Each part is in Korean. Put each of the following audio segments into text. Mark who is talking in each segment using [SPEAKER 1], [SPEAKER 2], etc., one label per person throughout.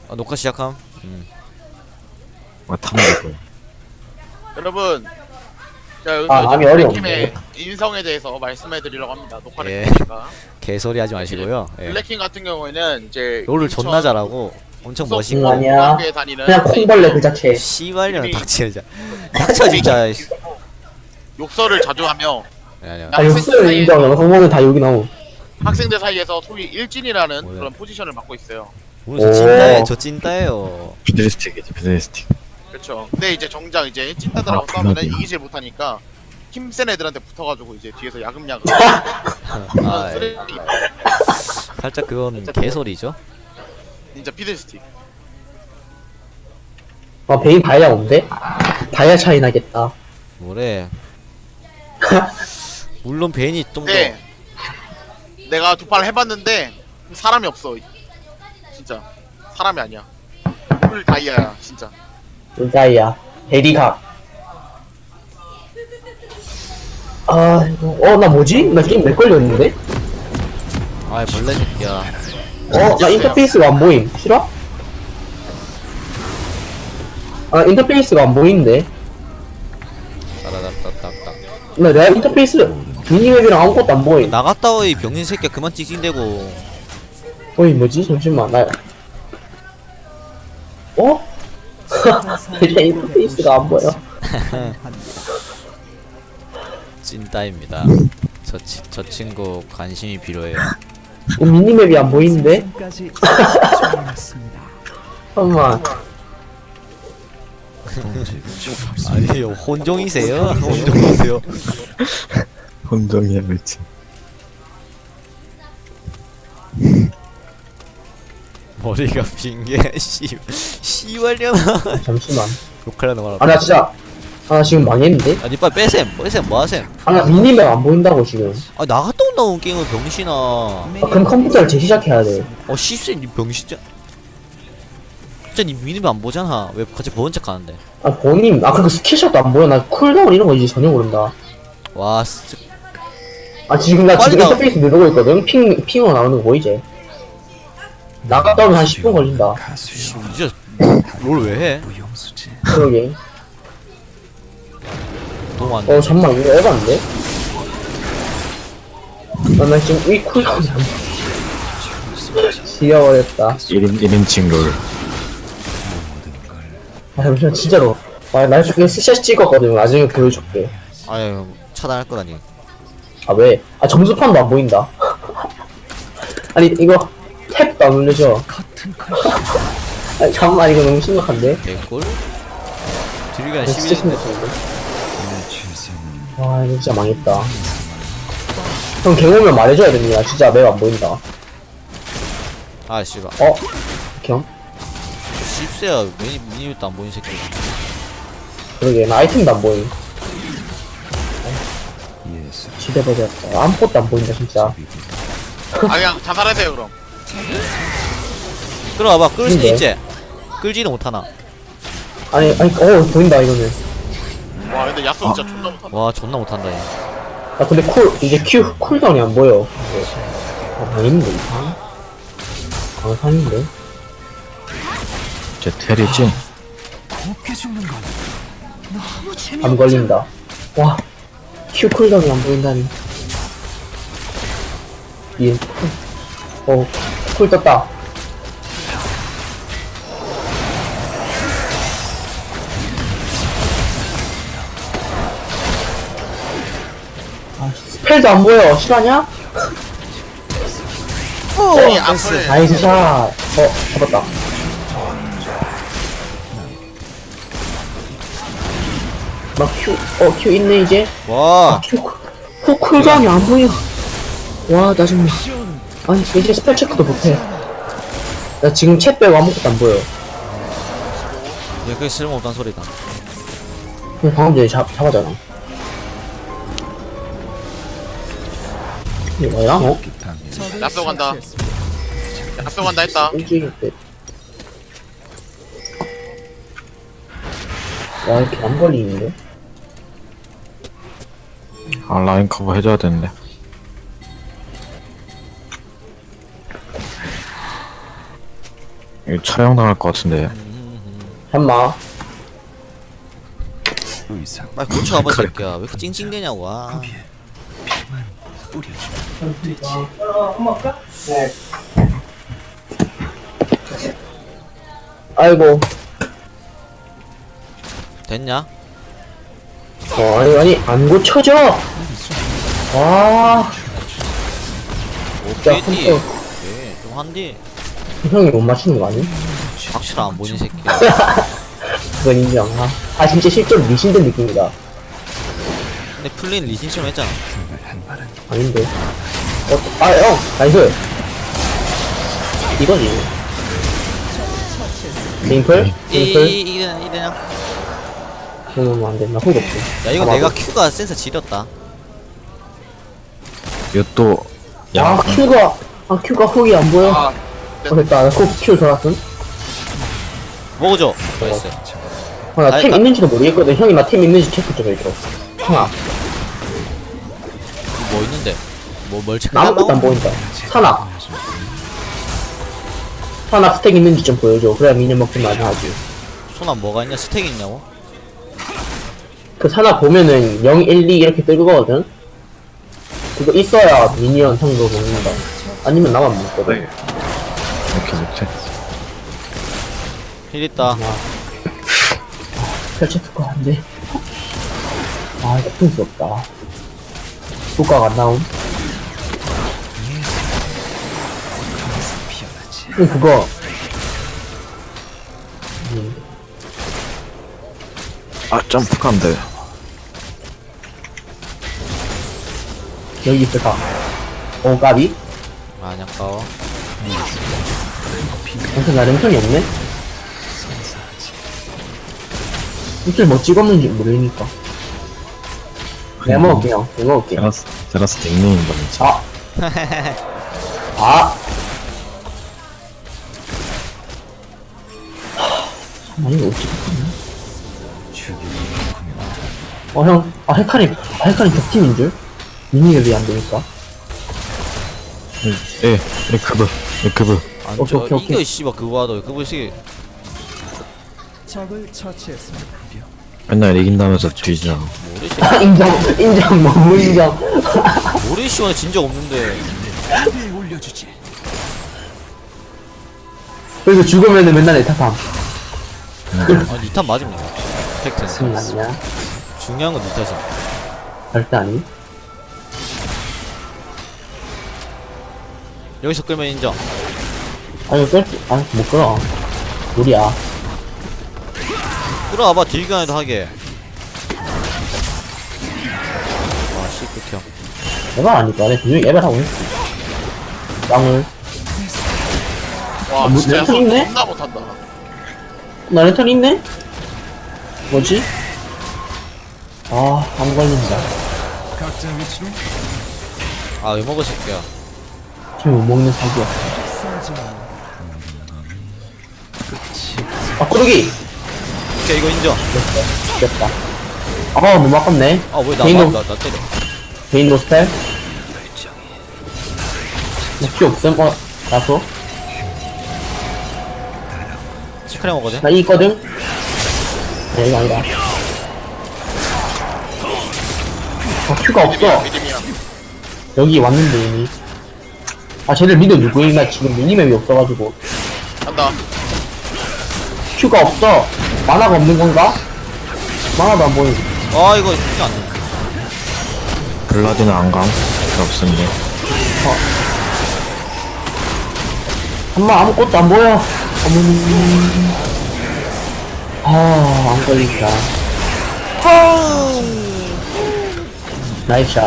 [SPEAKER 1] 녹화 시작함.
[SPEAKER 2] 타면 될
[SPEAKER 3] 여러분, 자 여기서
[SPEAKER 4] 감이
[SPEAKER 3] 이제
[SPEAKER 4] 어려운데.
[SPEAKER 3] 블랙킴의 인성에 대해서 말씀해드리려고 합니다. 녹화를
[SPEAKER 1] 예.
[SPEAKER 3] 했으니까.
[SPEAKER 1] 개소리 하지 마시고요. 예.
[SPEAKER 3] 블랙킴 같은 경우에는 이제
[SPEAKER 1] 롤을
[SPEAKER 3] 인천
[SPEAKER 1] 존나 잘하고 엄청
[SPEAKER 3] 수석
[SPEAKER 1] 멋있고.
[SPEAKER 4] 아니야.
[SPEAKER 3] 고등학교에 다니는
[SPEAKER 4] 그냥 콩벌레 그 자체.
[SPEAKER 1] 씨발년
[SPEAKER 3] 이미-
[SPEAKER 1] 닥쳐 진짜. 닥쳐 진짜.
[SPEAKER 3] 욕설을 자주 하며
[SPEAKER 1] 아니야.
[SPEAKER 4] 아 욕설 인정. 영상보면 다 여기 나오.
[SPEAKER 3] 학생들 사이에서 소위 일진이라는
[SPEAKER 1] 뭐야?
[SPEAKER 3] 그런 포지션을 맡고 있어요.
[SPEAKER 1] 오늘 저
[SPEAKER 4] 오.
[SPEAKER 1] 찐따예요. 저 찐따예요.
[SPEAKER 2] 비드스틱이지 비드스틱.
[SPEAKER 3] 그렇죠. 근데 이제 정작 이제 찐따들하고
[SPEAKER 2] 아,
[SPEAKER 3] 싸우면은
[SPEAKER 2] 그러게요.
[SPEAKER 3] 이기질 못하니까 힘센 애들한테 붙어가지고 이제 뒤에서 야금야금
[SPEAKER 1] 아, 예.
[SPEAKER 3] 쓰레기
[SPEAKER 1] 살짝 그건 개소리죠.
[SPEAKER 3] 진짜 피들스틱.
[SPEAKER 4] 베인 다이아 없는데? 다이아 차이 나겠다.
[SPEAKER 1] 뭐래. 물론 베인이 좀 더.
[SPEAKER 3] 근데 내가 두 판을 해봤는데 사람이 없어. 진짜 사람이 아니야. 풀 다이아야 진짜.
[SPEAKER 4] 다이아. 대리각. 나 뭐지? 나 게임 몇 걸렸는데?
[SPEAKER 1] 아이 벌레 새끼야.
[SPEAKER 4] 나 인터페이스가 안 보임. 싫어? 인터페이스가 안 보이는데.
[SPEAKER 1] 따다닥닥닥닥.
[SPEAKER 4] 내가 인터페이스 미니맵이랑 아무것도 안 보임.
[SPEAKER 1] 나갔다 와 이 병신 새끼야. 그만 찍찍대고.
[SPEAKER 4] 뭐지? 잠시만. 일단 인터페이스가 안 보여.
[SPEAKER 1] 찐따입니다. 저 친구 관심이 필요해요.
[SPEAKER 4] 미니맵이 안 보이는데? 잠깐만.
[SPEAKER 1] 아니요 혼종이세요? 혼종이세요?
[SPEAKER 2] 혼종이야 그렇지.
[SPEAKER 1] 머리가 빈게 씨발려나.
[SPEAKER 4] 잠시만.
[SPEAKER 1] 욕하려는 거라.
[SPEAKER 4] 나 진짜. 나 지금 망했는데?
[SPEAKER 1] 아니 빨리 빼셈 뭐하셈.
[SPEAKER 4] 나 미니맵 안 보인다고 지금.
[SPEAKER 1] 아 나갔다 온다고 게임을 병신아.
[SPEAKER 4] 그럼 컴퓨터를 재시작해야 돼.
[SPEAKER 1] 씨쎄 니 병신자. 진짜 니 미니맵 안 보잖아. 왜 같이 보는 척 하는데.
[SPEAKER 4] 본인, 그리고 스킬샷도 안 보여. 나 쿨다운 이런 거 이제 전혀 모른다.
[SPEAKER 1] 와 진짜.
[SPEAKER 4] 지금 나
[SPEAKER 1] 빨리
[SPEAKER 4] 지금
[SPEAKER 1] 나와.
[SPEAKER 4] 인터페이스 누르고 있거든? 핑으로 나오는 거 보이지? 나갔다 오면 한 10분 걸린다.
[SPEAKER 1] 진짜 롤 왜 해?
[SPEAKER 4] 그러게.
[SPEAKER 1] 너무 안 돼.
[SPEAKER 4] 잠만, 이거 에반데? 나 지금 이 쿨다운이 안 보여. 지겨버렸다.
[SPEAKER 2] 1인칭 롤.
[SPEAKER 4] 잠시만, 진짜로. 나 지금 스샷 찍었거든. 나중에 보여줄게.
[SPEAKER 1] 아유 차단할 거라니.
[SPEAKER 4] 왜? 점수판도 안 보인다. 아니, 이거, 탭도 안 올려줘. 잠깐만, 이거 너무 심각한데?
[SPEAKER 1] 개꿀. 딜가
[SPEAKER 4] 이거 진짜
[SPEAKER 1] 11인데.
[SPEAKER 4] 심각한데? 와, 이거 진짜 망했다. 형, 갱 오면 말해줘야 됩니다. 진짜 매우 안 보인다.
[SPEAKER 1] 아 씨발.
[SPEAKER 4] 경?
[SPEAKER 1] 씹새야 미니맵도 안 보이는 새끼.
[SPEAKER 4] 그러게, 나 아이템도 안 보임. 지대버렸다. 아무것도 안 보인다, 진짜.
[SPEAKER 3] 그냥 자살하세요 그럼.
[SPEAKER 1] 끌어와봐. 끌 수
[SPEAKER 4] 근데?
[SPEAKER 1] 있지? 끌지도 못하나.
[SPEAKER 4] 아니, 보인다, 이거는.
[SPEAKER 3] 와 근데 야수 진짜 존나 못한다.
[SPEAKER 1] 와 존나 못한다 얘.
[SPEAKER 4] 근데 이제 쿨다운이 안 보여. 망했는데, 이상? 강산인데?
[SPEAKER 2] 제 텔이지.
[SPEAKER 4] 안 걸린다. 와, 쿨다운이 안 보인다니. 쿨 떴다. 스펠도 안 보여. 실화냐?
[SPEAKER 3] 이 앞을
[SPEAKER 4] 나이스 샷. 잡았다. 큐 있네, 이제.
[SPEAKER 1] 와.
[SPEAKER 4] 쿨다운이 안 보여. 와, 나 정말. 아니, 이제 스펠 체크도 못해. 나 지금 챗 빼고 아무것도 안 보여.
[SPEAKER 1] 얘 그게 쓸모없단 소리다.
[SPEAKER 4] 그냥 방금 전에 잡았잖아. 이게 뭐야?
[SPEAKER 3] 야수 간다. 야수 간다 했다.
[SPEAKER 4] 일주일 때. 와, 이렇게 안 걸리는데?
[SPEAKER 2] 라인 커버 해줘야 되는데. 이거 촬영 당할 것 같은데.
[SPEAKER 4] 한마.
[SPEAKER 1] 빨리 고쳐와봐 새끼야. 왜 이렇게 찡찡대냐고. 아.
[SPEAKER 4] 아이고.
[SPEAKER 1] 됐냐?
[SPEAKER 4] 아니, 안 고쳐져! 와,
[SPEAKER 1] 오케이
[SPEAKER 4] 컴퓨터.
[SPEAKER 1] 오케이 좀 한디.
[SPEAKER 4] 형이 못 맞추는 거 아니?
[SPEAKER 1] 확실히 안 보니 새끼야.
[SPEAKER 4] 그건 인정. 진짜 실제로 미신된 느낌이다.
[SPEAKER 1] 근데 플레이는 리신처럼 했잖아.
[SPEAKER 4] 아닌데. 형, 나이스. 이거지. 링플? 링플?
[SPEAKER 1] 이대냐?
[SPEAKER 4] 그러면 안 돼. 나 훅 없어.
[SPEAKER 1] 야 이거
[SPEAKER 4] 아,
[SPEAKER 1] 내가
[SPEAKER 4] 맞아.
[SPEAKER 1] 큐가 센서 지렸다.
[SPEAKER 2] 이거 또
[SPEAKER 4] 큐가 훅이 안 보여.
[SPEAKER 3] 아
[SPEAKER 4] 됐다. 큐 돌았음.
[SPEAKER 1] 먹어줘. 나이스.
[SPEAKER 4] 나 템
[SPEAKER 1] 됐다.
[SPEAKER 4] 있는지도 모르겠거든. 형이 나 템 있는지 체크 좀 해줘. 형아,
[SPEAKER 1] 뭐 있는데? 뭘
[SPEAKER 4] 나 아무것도 안 보인다. 산악 스택 있는지 좀 보여줘. 그래야 미니언 먹지 많이 하지.
[SPEAKER 1] 손안 뭐가 있냐? 스택 있냐고?
[SPEAKER 4] 그 산악 보면은 0, 1, 2 이렇게 뜨거거든? 그거 있어야 미니언 형도 먹는다. 아니면 나만 먹거든.
[SPEAKER 2] 이렇게 못해.
[SPEAKER 1] 힐 있다.
[SPEAKER 4] 펼쳐쓸 거 같은데. 이거 푼스없다. 효과가 안 나옴. 그거.
[SPEAKER 2] 점프가 안 돼.
[SPEAKER 4] 여기 있을까? 까비?
[SPEAKER 1] 많이 아까워.
[SPEAKER 4] 아무튼 나 랜턴이 없네? 이틀 뭐 찍었는지 모르니까. 내가 먹을게요. 내가 먹을게.
[SPEAKER 2] 제라스 닉네임이다 진짜.
[SPEAKER 4] 잠깐만, 이거 어찌 바꿨냐? 형, 헤카림 격팀인 줄? 미니가 왜 안 되니까?
[SPEAKER 2] 그브.
[SPEAKER 1] 안줘. 이거 씨발 그거 하더. 그거 씨.
[SPEAKER 5] 적을 처치했습니다.
[SPEAKER 2] 맨날 이긴다면서 뒤지잖아.
[SPEAKER 1] 모르시.
[SPEAKER 4] 인정, 너무 인정.
[SPEAKER 1] 모르시만 진적 없는데.
[SPEAKER 5] 위에 올려주지.
[SPEAKER 4] 그래서 죽으면은 맨날 에타팜.
[SPEAKER 1] 아 니탄 맞습니다. 팩트는.
[SPEAKER 4] 아니야?
[SPEAKER 1] 중요한 건 니탄이야.
[SPEAKER 4] 절대 아니.
[SPEAKER 1] 여기서 끌면 인정.
[SPEAKER 4] 못 끌어. 우리야.
[SPEAKER 1] 끌어와봐 딜견에도 하게. 아씨 극혐.
[SPEAKER 4] 에바 아니까. 내가 분명히 에바를 하고 있어. 땅을.
[SPEAKER 3] 와
[SPEAKER 4] 뭐,
[SPEAKER 3] 진짜
[SPEAKER 4] 랜턴 있네?
[SPEAKER 3] 존나 못한다.
[SPEAKER 4] 나 랜턴 있네? 뭐지? 안 걸린다.
[SPEAKER 5] 각자 위치로
[SPEAKER 1] 아 왜 먹어 새끼야.
[SPEAKER 4] 지금 못 먹는 사기야.
[SPEAKER 5] 싸지마.
[SPEAKER 4] 꾸르기!
[SPEAKER 1] 오케이 이거 인정.
[SPEAKER 4] 됐다. 너무 아깝네.
[SPEAKER 1] 아왜
[SPEAKER 4] 개인
[SPEAKER 1] 나 때려.
[SPEAKER 4] 개인 로스펠? 나피 없음? 나서?
[SPEAKER 1] 시크릿 먹거든.
[SPEAKER 4] 나 이 있거든? 이거 아니다. 큐가 없어.
[SPEAKER 3] 믿음이야.
[SPEAKER 4] 여기 왔는데 이미. 쟤들 미드 누구인가 지금 미니맵이 없어가지고.
[SPEAKER 3] 간다.
[SPEAKER 4] 큐가 없어. 만화가 없는 건가? 만화도 안 보이고.
[SPEAKER 1] 아 이거 쉽지 않네.
[SPEAKER 2] 블라디는 안 감. 필요 없는데.
[SPEAKER 4] 아무것도 안 보여. 안 걸린다. 나이스 샷.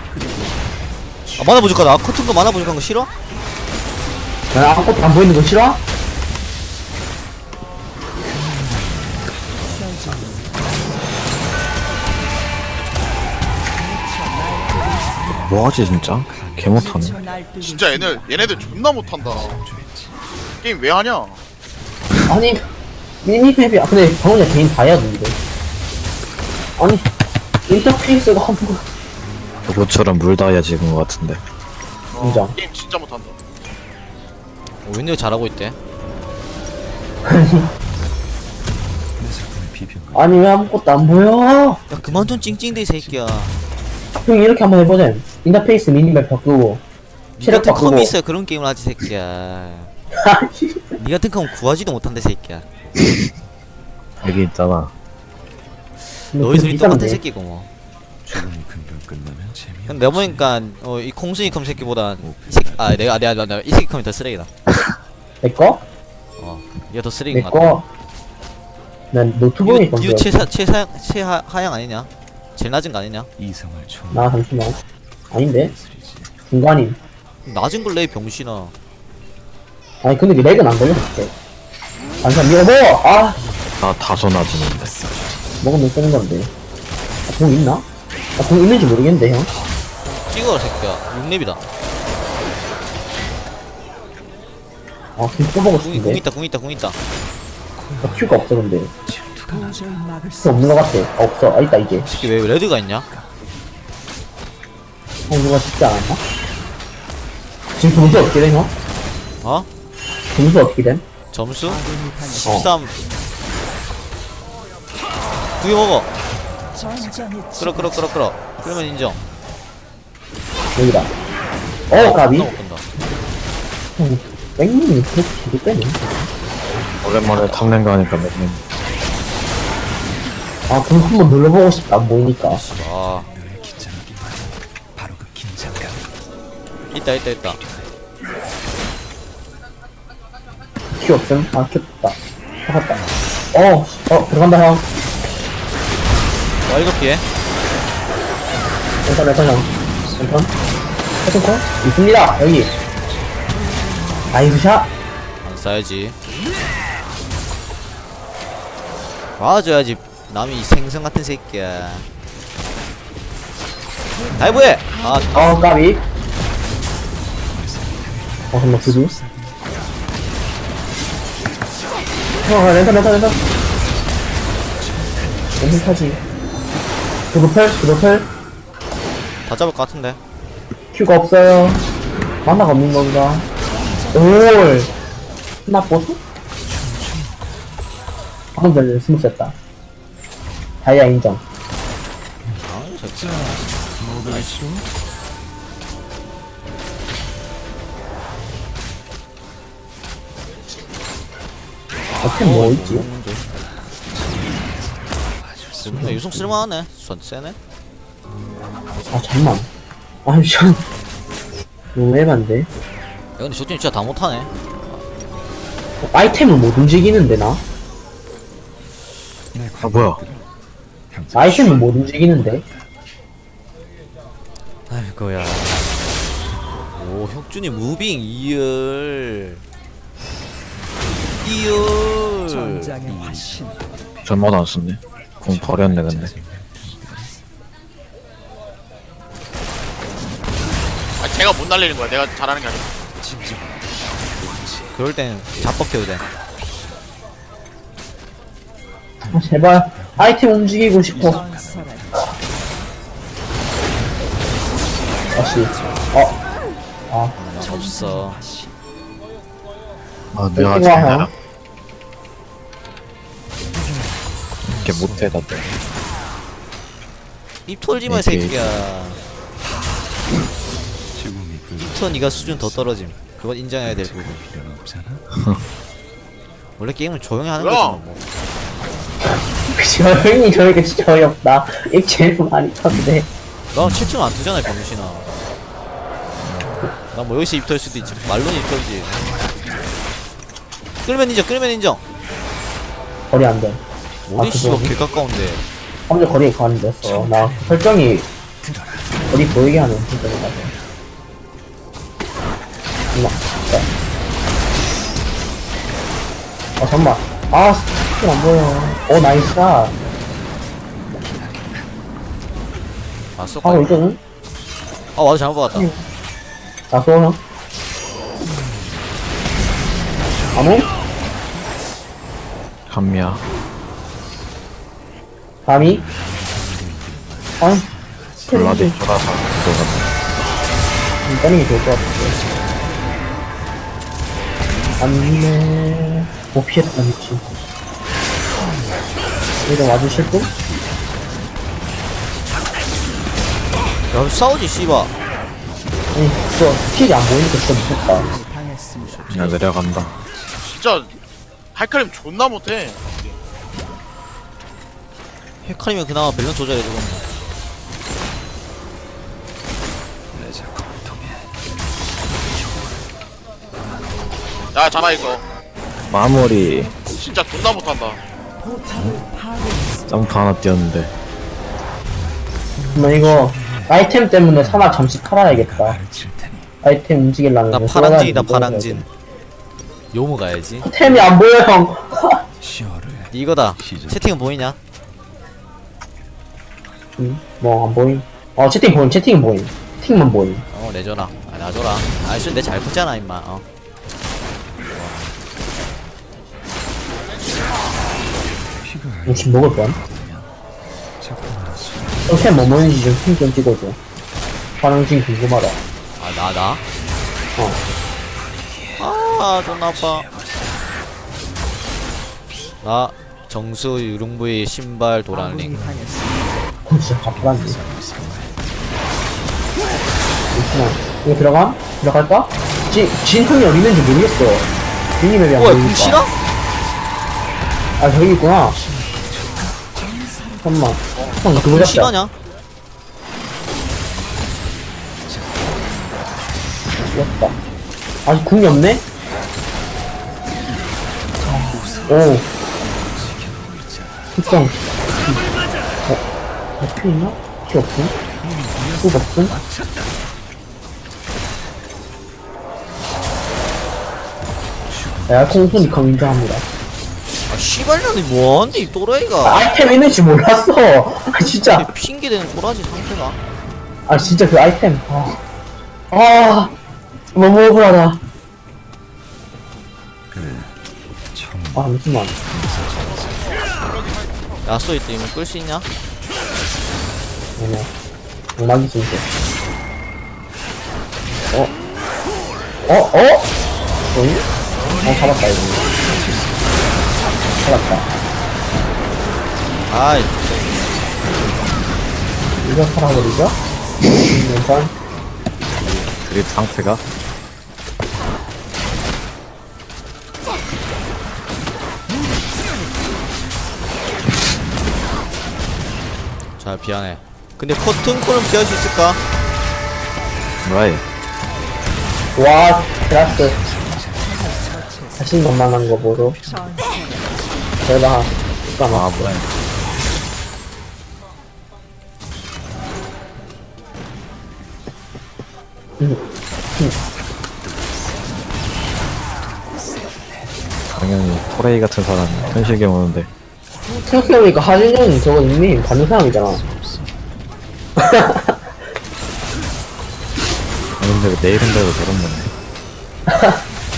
[SPEAKER 1] 아 만화 부족하다. 커튼도 만화 부족한 거 싫어?
[SPEAKER 4] 나 아무것도 안 보이는 거 싫어?
[SPEAKER 2] 뭐하지 진짜? 개 못하네.
[SPEAKER 3] 진짜 얘네들 존나 못한다. 게임 왜 하냐?
[SPEAKER 4] 아니 미니맵이 근데 방금 전에 개인 다 해야 되는데. 아니 인터페이스가 한 번.
[SPEAKER 2] 그것처럼 물 다이아 찍은 것 같은데.
[SPEAKER 4] 인정.
[SPEAKER 3] 게임 진짜 못한다.
[SPEAKER 1] 윈도우 잘하고 있대.
[SPEAKER 5] 내 작품의 비평가.
[SPEAKER 4] 아니 왜 아무것도 안 보여?
[SPEAKER 1] 야 그만 좀 찡찡대 이 새끼야.
[SPEAKER 4] 형 이렇게 한번 해보자. 인터페이스 미니맵 바꾸고
[SPEAKER 1] 니
[SPEAKER 4] 체력
[SPEAKER 1] 같은 컴이
[SPEAKER 4] 바꾸고.
[SPEAKER 1] 있어야 그런 게임을 하지 새끼야. 니 같은 컴 구하지도 못한대 새끼야.
[SPEAKER 2] 여기 있잖아.
[SPEAKER 1] 너희 둘이 똑같은 새끼고 뭐.
[SPEAKER 5] 죽음이 금방 끝나면 재미없지.
[SPEAKER 1] 근데 내가 보니까 이 콩순이 컴 새끼보단 이 새끼 내가 이 새끼 컴이 더 쓰레기다.
[SPEAKER 4] 내꺼?
[SPEAKER 1] 얘가 더 쓰레기인 것 같아.
[SPEAKER 4] 내꺼? 난 노트북이
[SPEAKER 1] 이거
[SPEAKER 4] 건데.
[SPEAKER 1] 최하향 아니냐? 제일 낮은 거 아니냐?
[SPEAKER 5] 이성을 총.
[SPEAKER 4] 나 잠시만. 아닌데? 중간임.
[SPEAKER 1] 낮은 걸래 병신아.
[SPEAKER 4] 아니 근데 렉은 안 걸려 그때. 잠시만 이거 먹어. 아
[SPEAKER 2] 나 다소 낮은데.
[SPEAKER 4] 먹으면 쓰는 건데. 아, 공 있나? 아, 공 있는지 모르겠는데 형.
[SPEAKER 1] 찍어라 새끼야. 6렙이다.
[SPEAKER 4] 아, 공 써보고
[SPEAKER 1] 궁
[SPEAKER 4] 싶은데.
[SPEAKER 1] 있다 궁 있다 궁 있다.
[SPEAKER 4] 아, 큐가 없어 근데.
[SPEAKER 5] 도저히 막을
[SPEAKER 4] 큐 없는 것 같아. 아, 없어. 아 있다 이제.
[SPEAKER 1] 이 새끼 왜 레드가 있냐?
[SPEAKER 4] 누가 죽지 않았나? 지금 점수 어떻게 돼 형?
[SPEAKER 1] 어?
[SPEAKER 4] 점수 어떻게 됨?
[SPEAKER 1] 점수? 13. 두 개 먹어. 끌어. 그러면 인정.
[SPEAKER 4] 여기다. 까비.
[SPEAKER 1] 못 간다.
[SPEAKER 4] 형, 뺑님이 그렇게 되게 빼네.
[SPEAKER 2] 오랜만에 탐낸 거 하니까 맨날
[SPEAKER 4] 아, 공 한번 눌러보고 싶다. 안 보이니까.
[SPEAKER 1] 아
[SPEAKER 5] 너의 긴장하기 바로 그 긴장감.
[SPEAKER 1] 있다.
[SPEAKER 4] 큐 없음? 아, 큐 없다. 잡았다. 들어간다 형.
[SPEAKER 1] 와 이거 피해.
[SPEAKER 4] 왼손 형. 왼손. 해성콩? 있습니다. 여기. 나이스 샷.
[SPEAKER 1] 안 쏴야지. 와줘야지. 남이 생선 같은 새끼야. 다이브해.
[SPEAKER 4] 까비. 잠깐만, 그지? 렌터. 렌터 타지. 그도펠.
[SPEAKER 1] 다 잡을 것 같은데.
[SPEAKER 4] 큐가 없어요. 만화가 없는 건가? 올. 나 보수? 방금 전에 스무 셌다. 다이아 인정.
[SPEAKER 1] 저
[SPEAKER 5] 뭐가 싫어?
[SPEAKER 4] 어템 뭐 있지?
[SPEAKER 1] 유성 쓸만하네. 전 세네.
[SPEAKER 4] 아 잠만. 아니 참. 너무 에반데.
[SPEAKER 1] 야 근데 저 팀 진짜 다 못하네.
[SPEAKER 4] 아이템을 못 움직이는데 나?
[SPEAKER 2] 아 뭐야?
[SPEAKER 4] 아이템을 못 움직이는데?
[SPEAKER 1] 아이고야. 오 혁준이 무빙 2열.
[SPEAKER 5] 전장의 화신.
[SPEAKER 2] 전마도 안 썼네. 공 버렸네 근데.
[SPEAKER 3] 아 제가 못 날리는 거야. 내가 잘하는 게 아니라.
[SPEAKER 1] 그럴 땐 잡법해도 돼.
[SPEAKER 4] 아, 제발 아이템 움직이고 싶어. 다시.
[SPEAKER 1] 없어.
[SPEAKER 2] 아 내가
[SPEAKER 4] 땡땡아,
[SPEAKER 2] 잘
[SPEAKER 4] 형.
[SPEAKER 2] 알아. 이렇게 못해 다들.
[SPEAKER 1] 입 털지 마, 이
[SPEAKER 2] 이렇게.
[SPEAKER 1] 새끼야.
[SPEAKER 5] 죽음이
[SPEAKER 1] 입터 니가 수준 더 떨어짐. 그건 인정해야 될 부분.
[SPEAKER 5] 필요는 없잖아.
[SPEAKER 1] 원래 게임은 조용히 하는
[SPEAKER 3] 뭐야?
[SPEAKER 1] 거지 뭐.
[SPEAKER 4] 그쵸, 형이 저에게 진짜 어이없다. 입 제일 많이 탔는데.
[SPEAKER 1] 나 7층 안 뜨잖아, 병신아. 나 뭐 여기서 입 털 수도 있지. 말로는 입 털지. 끌면 인정.
[SPEAKER 4] 거리 안 돼.
[SPEAKER 1] 어디 씨가
[SPEAKER 4] 그거니?
[SPEAKER 1] 개 가까운데.
[SPEAKER 4] 함정 거리에 가는데였어. 나 설정이 거리 보이게 하는 설정이라서. 잠깐만. 스킬 안 보여. 나이스 샷.
[SPEAKER 1] 아, 쏙.
[SPEAKER 4] 하고 있거든?
[SPEAKER 1] 맞아, 잘못 봤다.
[SPEAKER 4] 나 쏘, 형. 아무?
[SPEAKER 2] 감미야.
[SPEAKER 4] 감히? 아니,
[SPEAKER 2] 블라디 쫄아서 들어갔네.
[SPEAKER 4] 빼는 게 좋을 것 같은데. 안돼. 못 피했다 미친. 여기다 와주실 분?
[SPEAKER 1] 야 싸우지 씨바.
[SPEAKER 4] 아니 그거 스킬이 안 보이니까 진짜 무섭다.
[SPEAKER 5] 당했습니다.
[SPEAKER 2] 야 내려간다.
[SPEAKER 3] 진짜 하이카림 존나 못해.
[SPEAKER 1] 헤카리면 그나마 밸런스 조절해 주고.
[SPEAKER 5] 레자 고통에
[SPEAKER 3] 야 잡아 이거.
[SPEAKER 2] 마무리.
[SPEAKER 3] 진짜 존나 못한다.
[SPEAKER 2] 점프 하나 뛰었는데.
[SPEAKER 4] 뭐 이거 아이템 때문에 사나 잠시 팔아야겠다.
[SPEAKER 5] 가르칠 테니
[SPEAKER 4] 아이템 움직이려면
[SPEAKER 1] 나
[SPEAKER 4] 이거
[SPEAKER 1] 파랑진이다
[SPEAKER 4] 쏘아가지고
[SPEAKER 1] 파랑진. 요모 가야지.
[SPEAKER 4] 템이 안 보여 형.
[SPEAKER 5] 시어를
[SPEAKER 1] 이거다. 채팅은 보이냐?
[SPEAKER 4] 뭐 안 보임. 채팅 보임. 채팅은 보임. 채팅만 보임.
[SPEAKER 1] 내줘라. 놔줘라. 아이씨 내잘 붙잖아 임마.
[SPEAKER 5] 피가
[SPEAKER 4] 지금 먹을 뻔.
[SPEAKER 5] 작품으로서
[SPEAKER 4] 템 뭐 뭐인지 좀 찍어줘. 파랑진 궁금하다.
[SPEAKER 1] 나? 존나 아파. 나 정수 유령부의 신발 도란링.
[SPEAKER 4] 진짜 가프란데. 잠시만. 이거 들어감? 들어갈까? 진 형이 어디 있는지 모르겠어. 진이 맵이 안
[SPEAKER 1] 뭐야
[SPEAKER 4] 보이니까.
[SPEAKER 1] 궁 싫어?
[SPEAKER 4] 아 저기 있구나. 잠깐만. 형 그거
[SPEAKER 1] 궁
[SPEAKER 4] 잡자.
[SPEAKER 1] 싫어냐?
[SPEAKER 4] 죽었다. 아직 궁이 없네? 오. 특성. 피 있나? 피 없음? 피 없음? 콩순이 컴 인정합니다.
[SPEAKER 1] 씨발년이 뭐하는데 이 또라이가.
[SPEAKER 4] 아이템 있는지 몰랐어. 진짜.
[SPEAKER 1] 핑계대는 꼬라지 상태가.
[SPEAKER 4] 진짜 그 아이템. 너무 억울하다. 잠시만.
[SPEAKER 1] 야쏘 이때 이거 끌 수 있냐?
[SPEAKER 4] 음악이 좀 돼. 뭐니? 잡았다, 이거. 잡았다.
[SPEAKER 1] 아이
[SPEAKER 4] 이거 살아버리죠? 일단,
[SPEAKER 2] 그립 상태가.
[SPEAKER 1] 잘 피하네. 근데 커튼콜은 피할 수 있을까?
[SPEAKER 2] 뭐야?
[SPEAKER 4] 와, 드라스. 자신만만한 거 보러. 대박. 잠깐만.
[SPEAKER 2] 뭐야? 당연히 토레이 같은 사람이 현실에 오는데.
[SPEAKER 4] 생각해보니까 하진영이 저거 닉네임 받는 사람이잖아.
[SPEAKER 2] 근데 내 이름대로 저런 거네.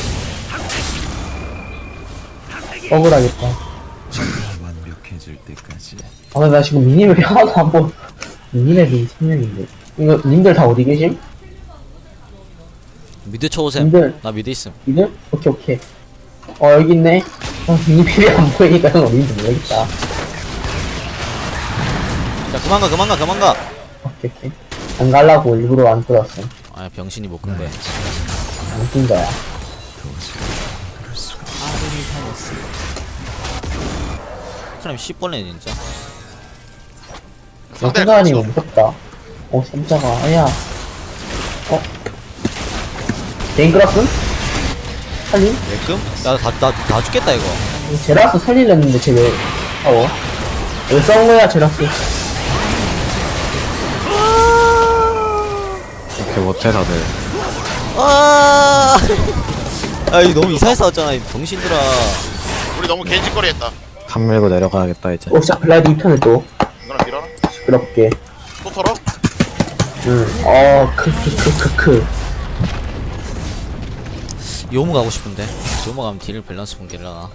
[SPEAKER 4] 억울하겠다.
[SPEAKER 5] 완벽해질 때까지
[SPEAKER 4] 나 지금 미니맵이 하나도 안 보. 미니맵이 생명인데. 이거 님들 다 어디 계심?
[SPEAKER 1] 미드 쳐오셈.
[SPEAKER 4] 님들
[SPEAKER 1] 나 미드 있음.
[SPEAKER 4] 님들? 오케이. 여기 있네. 미니맵이 안 보이니까 형 어딘지 모르겠다.
[SPEAKER 1] 야 그만 가.
[SPEAKER 4] 오케이. 안 갈라고 일부러 안 끌었어.
[SPEAKER 1] 아 병신이 못 끈대.
[SPEAKER 4] 안 낀 거야.
[SPEAKER 1] 사람 10번에 진짜.
[SPEAKER 4] 생각하니까 무섭다. 삼자가, 아야. 개인 끌었음? 살림?
[SPEAKER 1] 왜끔? 나 죽겠다 이거.
[SPEAKER 4] 제라스 살리려는데 쟤 왜, 왜 싸운 거야, 제라스?
[SPEAKER 2] 이렇게 못해 다들.
[SPEAKER 1] 이거 너무 이상하게 싸웠잖아 이 병신들아.
[SPEAKER 3] 우리 너무 개짓거리했다.
[SPEAKER 2] 탑 밀고 내려가야겠다 이제.
[SPEAKER 4] 자, 블라이드 2턴을 또,
[SPEAKER 3] 이거나 밀어라.
[SPEAKER 4] 시끄럽게.
[SPEAKER 3] 또 털어?
[SPEAKER 1] 요무 가고 싶은데. 요무 가면 딜을 밸런스 붕괴려나.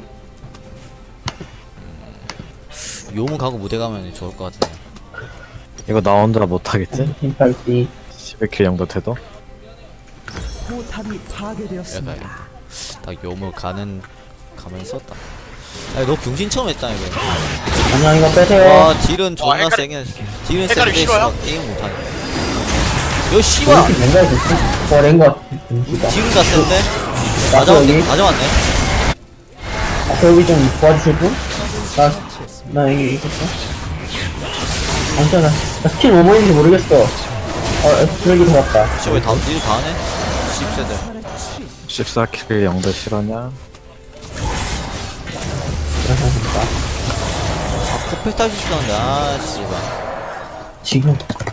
[SPEAKER 1] 요무 가고 무대 가면 좋을 것 같은데.
[SPEAKER 2] 이거 나 혼자 못하겠지?
[SPEAKER 4] 팀팔티.
[SPEAKER 2] 11킬 정도 돼도?
[SPEAKER 5] 포탑이 파괴되었습니다.
[SPEAKER 1] 약간 딱 요모 가면 썼다. 아니 너 병신 처음 했다 이거.
[SPEAKER 4] 아니야, 이거 빼세요.
[SPEAKER 1] 와 딜은 존나
[SPEAKER 3] 헷갈리-
[SPEAKER 1] 세게. 딜은
[SPEAKER 3] 헷갈리기
[SPEAKER 1] 세게
[SPEAKER 3] 싫어요?
[SPEAKER 1] 씨발 게임 못하네. 요 씨발
[SPEAKER 4] 랭가 있었어? 랭가. 진짜.
[SPEAKER 1] 딜은 다 센데.
[SPEAKER 4] 나도 여기.
[SPEAKER 1] 맞아왔네.
[SPEAKER 4] 여기 좀 도와주실 분? 나 여기 있었어? 괜찮아. 나 스킬 뭐 보이는지 모르겠어. 쓰레기 들어갔다.
[SPEAKER 1] 씨발 딜다 하네. 10세대.
[SPEAKER 2] 14킬 0대 실화냐?
[SPEAKER 4] 괜찮습니다.
[SPEAKER 1] 퍼펙트 할수 있었는데 아 씨발.
[SPEAKER 4] 지금.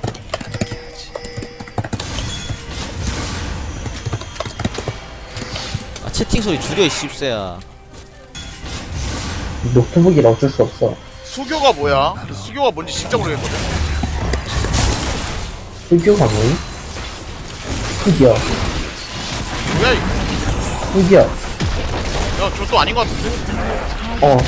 [SPEAKER 1] 아 채팅 소리 줄여 이 10세야.
[SPEAKER 4] 노트북이라 어쩔 수 없어.
[SPEAKER 3] 수교가 뭐야? 수교가 뭔지 진짜 모르겠거든.
[SPEAKER 4] 흑교가 뭐니? 흑이야.
[SPEAKER 3] 뭐야 이거?
[SPEAKER 4] 흑이야.
[SPEAKER 3] 야, 저도 아닌 것 같은데?
[SPEAKER 4] 어.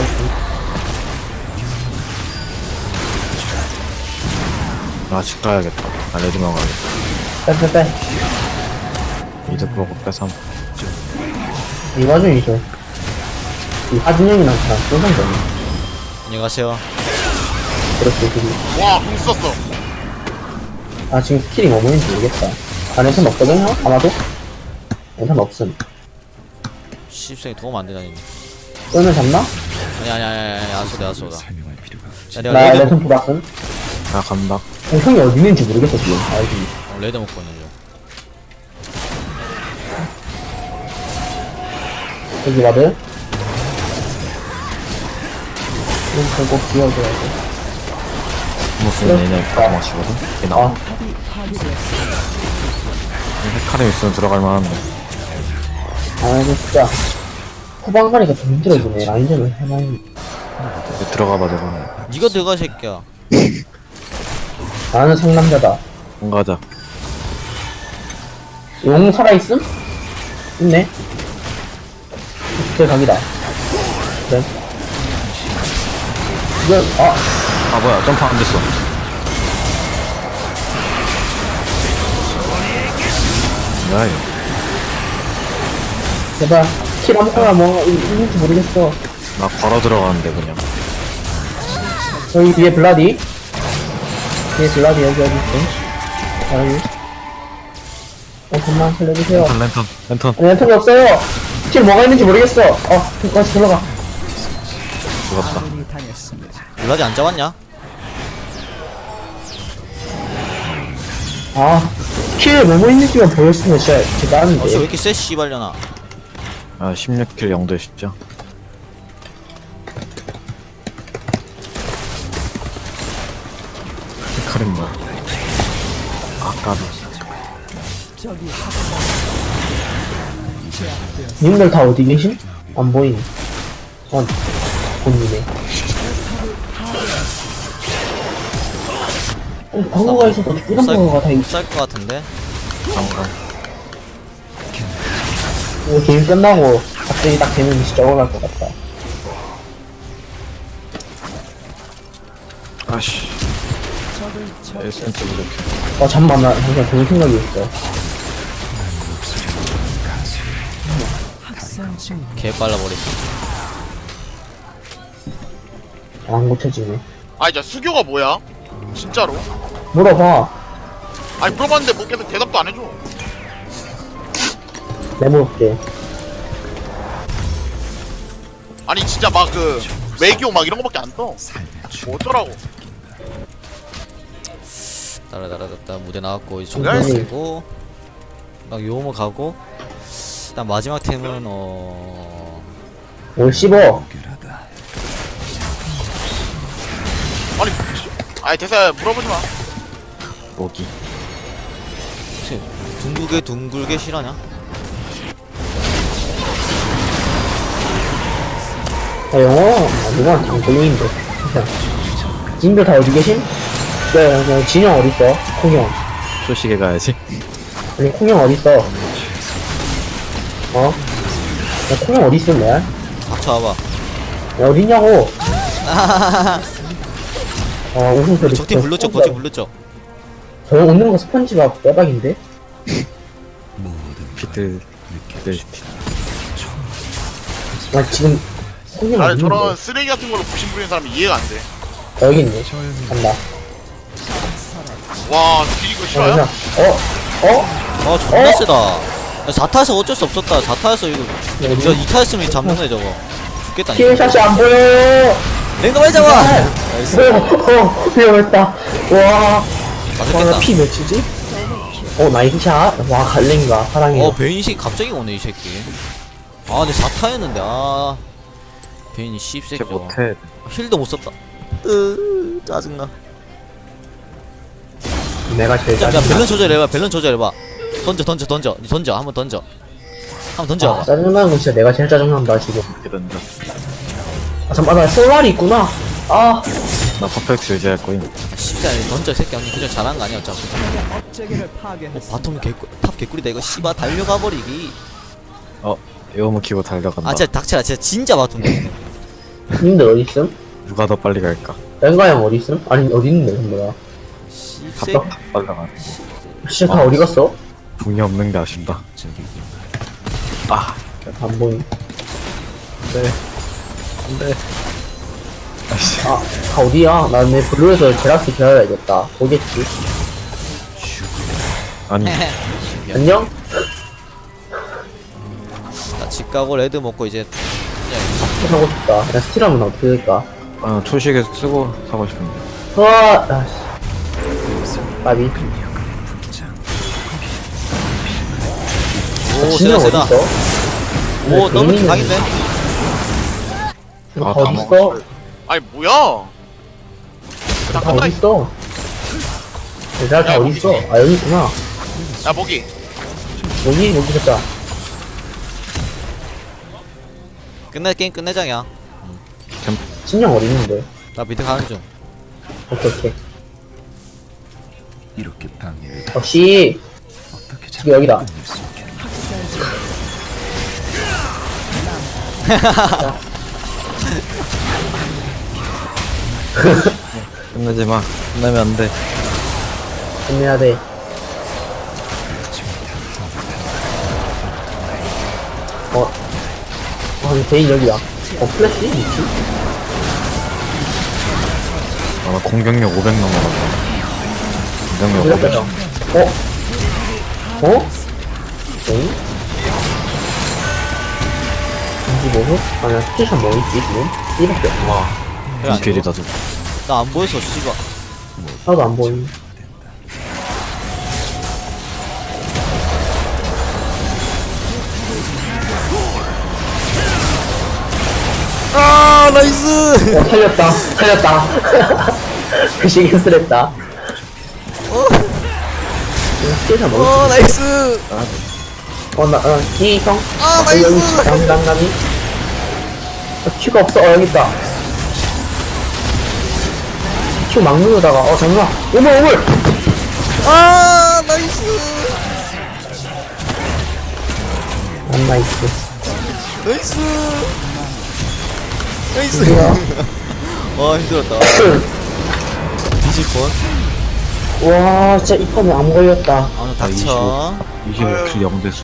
[SPEAKER 2] 아, 집 가야겠다. 아, 레드만 가야겠다.
[SPEAKER 4] 빼빼빼.
[SPEAKER 2] 이득 보고 빼삼.
[SPEAKER 4] 이 와중이죠. 이 하진영이랑 저랑 쏘는 거네.
[SPEAKER 1] 안녕하세요.
[SPEAKER 4] 그렇게 둘이.
[SPEAKER 3] 와, 공 썼어.
[SPEAKER 4] 아, 지금 스킬이 뭐 보이는지 모르겠다. 아, 랜턴 없거든요? 아마도? 랜턴 없음.
[SPEAKER 1] 10세에 도움 안 되다니.
[SPEAKER 4] 쏘면 잡나?
[SPEAKER 1] 아니 아소다.
[SPEAKER 5] 설명할 필요가 없지.
[SPEAKER 1] 야
[SPEAKER 4] 나
[SPEAKER 1] 내가 레드
[SPEAKER 4] 랜턴 돌았음.
[SPEAKER 2] 아, 간다.
[SPEAKER 4] 형이 어디 있는지 모르겠어, 지금. 알지?
[SPEAKER 1] 레드 먹고 있는 중.
[SPEAKER 4] 여기 와드. 이거 꼭 지워줘야 돼.
[SPEAKER 2] 무슨 얘네 다 맞추거든? 얘 나와.
[SPEAKER 4] 아,
[SPEAKER 2] 헤카림 있으면 들어갈 만한데.
[SPEAKER 4] 아, 이거 진짜. 후방 가니까 좀 힘들어지네. 라인전을 해놔야지.
[SPEAKER 2] 이제 들어가봐, 저거.
[SPEAKER 1] 니가 들어가 이 새끼야.
[SPEAKER 4] 나는 상남자다.
[SPEAKER 2] 가자.
[SPEAKER 4] 용 살아있음? 있네. 제 각이다. 그래. 이거,
[SPEAKER 2] 아, 뭐야. 점프 안 됐어. 뭐야, 이거.
[SPEAKER 4] 제발. 킬 아무거나 뭐, 있는지 모르겠어.
[SPEAKER 2] 나 걸어 들어가는데, 그냥.
[SPEAKER 4] 여기 뒤에 블라디. 뒤에 블라디 여기 있어. 여기. 잠깐만 살려주세요.
[SPEAKER 2] 랜턴.
[SPEAKER 4] 아니, 랜턴이 없어요. 킬 뭐가 있는지 모르겠어. 다시 들어가.
[SPEAKER 2] 죽었다.
[SPEAKER 1] 블라디 안 잡았냐?
[SPEAKER 4] 킬 뭐뭐 있는지만 보였으면 진짜
[SPEAKER 1] 어씨 왜
[SPEAKER 4] 대단한데.
[SPEAKER 1] 이렇게 쎄 씨발려나.
[SPEAKER 2] 아, 16킬 0대 10죠. 헤카림 뭐. 아까도.
[SPEAKER 4] 님들 다 어디 계심? 안 보이네. 본이네. 방어가 있어서 이런 방어가 다 있어.
[SPEAKER 1] 못살것 같은데.
[SPEAKER 4] 이거 게임 끝나고 갑자기 딱 되면 진짜 억울할 것 같다.
[SPEAKER 2] 아씨. 1cm 부족해.
[SPEAKER 4] 잠깐만, 나 잠깐 좋은 생각이 있어.
[SPEAKER 1] 개 빨라버리지.
[SPEAKER 4] 안 고쳐지네.
[SPEAKER 3] 아, 이제 수교가 뭐야? 진짜로?
[SPEAKER 4] 물어봐.
[SPEAKER 3] 아니, 물어봤는데 뭐 계속 대답도 안 해줘.
[SPEAKER 4] 내물을게.
[SPEAKER 3] 아니, 진짜 막 외교 막 이런 거밖에 안 떠. 뭐 어쩌라고.
[SPEAKER 1] 따라따라따 무대 나왔고 이제
[SPEAKER 3] 뭐야,
[SPEAKER 1] 종료
[SPEAKER 4] 이게?
[SPEAKER 1] 쓰고 딱 요모 가고 일단 마지막 템은
[SPEAKER 4] 뭘 씹어.
[SPEAKER 5] 무결하다.
[SPEAKER 3] 아니, 아니, 대사 물어보지 마.
[SPEAKER 2] 모기.
[SPEAKER 1] 혹시 둥글게 실하냐?
[SPEAKER 4] 영어? 누가 장col링인데. 님들 다 어디 계심? 네, 진영 어딨어? 콩형.
[SPEAKER 2] 소식에 가야지.
[SPEAKER 4] 아니, 콩형 어딨어? 야, 콩형 어딨어, 내?
[SPEAKER 1] 닥쳐와봐.
[SPEAKER 4] 야, 어딨냐고? 웃음소리.
[SPEAKER 1] 적팀 불렀죠? 거짓 불렀죠?
[SPEAKER 4] 저 웃는 거 스펀지밥 대박인데?
[SPEAKER 5] 모든
[SPEAKER 2] 피들,
[SPEAKER 5] 느껴.
[SPEAKER 2] 피들.
[SPEAKER 4] 나 지금 홍영
[SPEAKER 3] 나를
[SPEAKER 4] 있는데.
[SPEAKER 3] 저런 쓰레기 같은 걸로 부심 부리는 사람이 이해가 안 돼.
[SPEAKER 4] 여기 있네. 간다.
[SPEAKER 3] 와, 뒤지고 싫어요?
[SPEAKER 4] 어?
[SPEAKER 1] 존나 세다. 4타에서 어쩔 수 없었다. 4타에서 이거 저 2타였으면 잡는데 저거 죽겠다.
[SPEAKER 4] 킬샷이 안 보여요.
[SPEAKER 1] 랭가 빨리 잡아. 나이스.
[SPEAKER 4] 위험했다. 와,
[SPEAKER 1] 맛있겠다.
[SPEAKER 4] 나피 몇이지? 나이스샷. 와, 갈랭가. 사랑해요.
[SPEAKER 1] 베인식 갑자기 오네 이 새끼. 아 근데 4타였는데 베인이 씹새끼
[SPEAKER 2] 쟤
[SPEAKER 1] 저거.
[SPEAKER 2] 못해.
[SPEAKER 1] 힐도 못 썼다. 짜증나.
[SPEAKER 4] 내가 제일
[SPEAKER 1] 자,
[SPEAKER 4] 짜증나.
[SPEAKER 1] 밸런 조절해봐. 밸런 조절해봐. 던져. 한번 던져. 한번 던져봐.
[SPEAKER 4] 짜증나는 건 진짜 내가 제일 짜증난다, 지금.
[SPEAKER 2] 이렇게 던져.
[SPEAKER 4] 잠깐만, 나 솔라리 있구나.
[SPEAKER 2] 나 퍼펙트 유지할 거임.
[SPEAKER 1] 씨발 던져 이 새끼. 언니 그냥 잘한 거 아니야 어차피. 바텀 탑 개꿀이다 이거. 씨발 달려가 버리기.
[SPEAKER 2] 에어무 키고 달려간다.
[SPEAKER 1] 아 진짜 닥쳐라. 진짜 바텀 돼.
[SPEAKER 4] 님들 어딨음?
[SPEAKER 2] 누가 더 빨리 갈까?
[SPEAKER 4] 랭가 형 어딨음? 아니, 어디 있는데, 뭐야.
[SPEAKER 1] 씹새.
[SPEAKER 2] 답답 빨라가.
[SPEAKER 4] 진짜 다 어디 갔어?
[SPEAKER 2] 궁이 없는게 아쉽다.
[SPEAKER 5] 저기
[SPEAKER 4] 안 보임.
[SPEAKER 2] 안돼. 아씨.
[SPEAKER 4] 다 어디야? 나 내 블루에서 제라스 기다려야겠다. 오겠지.
[SPEAKER 2] 아니
[SPEAKER 4] 안녕?
[SPEAKER 1] 나 집 가고 레드 먹고 이제 그냥
[SPEAKER 4] 사고 싶다. 나 스틸하면 어떻게 될까?
[SPEAKER 2] 초식에 쓰고 사고 싶은데.
[SPEAKER 4] 와, 까비.
[SPEAKER 1] 오
[SPEAKER 4] 진영
[SPEAKER 1] 세다 세다.
[SPEAKER 4] 어딨어?
[SPEAKER 1] 오 더블
[SPEAKER 4] 개인이네.
[SPEAKER 1] 각인데.
[SPEAKER 4] 다
[SPEAKER 2] 다
[SPEAKER 4] 어딨어?
[SPEAKER 3] 아니, 뭐야?
[SPEAKER 4] 다 어딨어? 얘들아 다
[SPEAKER 3] 야,
[SPEAKER 4] 어딨어?
[SPEAKER 3] 여기.
[SPEAKER 4] 여기 있구나.
[SPEAKER 3] 야, 모기.
[SPEAKER 4] 여기 있었다.
[SPEAKER 1] 게임 끝내장이야.
[SPEAKER 4] 진영 어디 있는데?
[SPEAKER 1] 나 미드 가는 중.
[SPEAKER 4] 오케이.
[SPEAKER 5] 이렇게 방해를
[SPEAKER 4] 역시
[SPEAKER 5] 어떻게
[SPEAKER 4] 지금 여기다.
[SPEAKER 5] 끝낼 수 있겠나?
[SPEAKER 2] 끝내지 마. 끝내면 안 돼.
[SPEAKER 4] 끝내야 돼. 근데 베인 여기야. 플래시? 미치?
[SPEAKER 2] 나 공격력 500 넘어갔다. 공격력 500.
[SPEAKER 4] 시작하자. 베인? 인지 뭐고? 아니야, 스테이션 뭐 있지, 지금? 이밖에 없어.
[SPEAKER 2] 와.
[SPEAKER 1] 그래, 안
[SPEAKER 2] 인필이다 저.
[SPEAKER 1] 나 안 보여서 씨발.
[SPEAKER 4] 하나도 안 보임.
[SPEAKER 1] 아 나이스.
[SPEAKER 4] 살렸다. 그 시기 쓰랬다. 스테이션 뭐 있지?
[SPEAKER 1] 나이스.
[SPEAKER 4] 기성?
[SPEAKER 1] 아,
[SPEAKER 4] 여기
[SPEAKER 1] 나이스.
[SPEAKER 4] 장담감이? 큐가 없어. 여기 있다. 큐 막 누르다가, 잠깐만. 오물!
[SPEAKER 1] 아 나이스.
[SPEAKER 4] 안 나이스.
[SPEAKER 1] 나이스. 나이스.
[SPEAKER 4] 뭐야?
[SPEAKER 1] 와 힘들었다. 뒤질 뻔.
[SPEAKER 4] 와, 진짜 이 판에 안 걸렸다.
[SPEAKER 1] 아 닥쳐.
[SPEAKER 2] 25킬 0대 수.